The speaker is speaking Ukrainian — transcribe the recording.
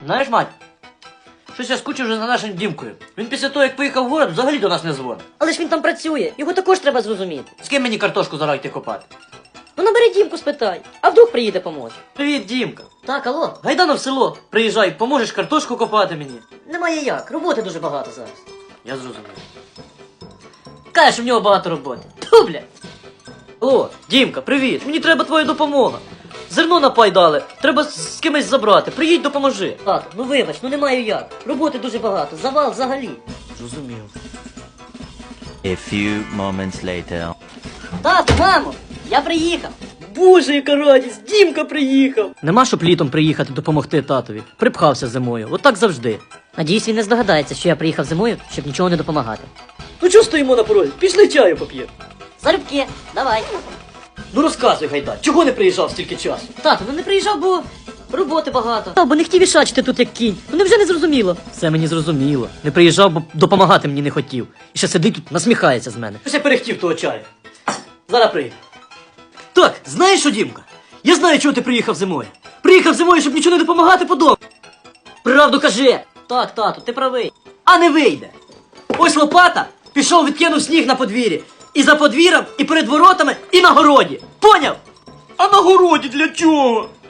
Знаєш, мать, щось я скучив вже за нашим Дімкою. Він після того, як поїхав в город, взагалі до нас не дзвонить. Але ж він там працює, його також треба зрозуміти. З ким мені картошку зараз йти копати? Ну набери Дімку, спитай, а вдруг приїде поможе. Привіт, Дімка. Так, алло, Гайдано в село. Приїжджай, поможеш картошку копати мені. немає як, роботи дуже багато зараз. Я зрозумів. Кажеш, у нього багато роботи. Ту, бля. О, Дімка, привіт. Мені треба твоя допомога. Зерно на пай дали. Треба з кимось забрати. Приїдь, допоможи. Тато, ну вибач, ну немає як. Роботи дуже багато, завал взагалі. Зрозумів. A few moments later. Тато, мамо, я приїхав. Боже, яка радість! Дімка приїхав! Нема щоб літом приїхати допомогти татові. Припхався зимою. Отак завжди. Надіюсь, він не здогадається, що я приїхав зимою, щоб нічого не допомагати. Ну чого стоїмо на порозі? Пішли чаю поп'ємо. Зарубки, давай. Ну розказуй, Гайда, чого не приїжджав стільки часу? Тато, ну не приїжджав, бо роботи багато. Та, бо не хотів ішачити тут як кінь. Ну невже не зрозуміло? Все мені зрозуміло. Не приїжджав, бо допомагати мені не хотів. І ще сидить тут, насміхається з мене. Щось я перехтів того чаю. Зараз прийду. Так, знаєш що, Дімка? Я знаю, чого ти приїхав зимою. Приїхав зимою, щоб нічого не допомагати по дому. Правду кажи. Так, тато, ти правий. А не вийде. Ось лопата, пішов, відкинув сніг на подвір'ї. І за подвір'ям, і перед воротами, і на городі. Поняв? А на городі для чого?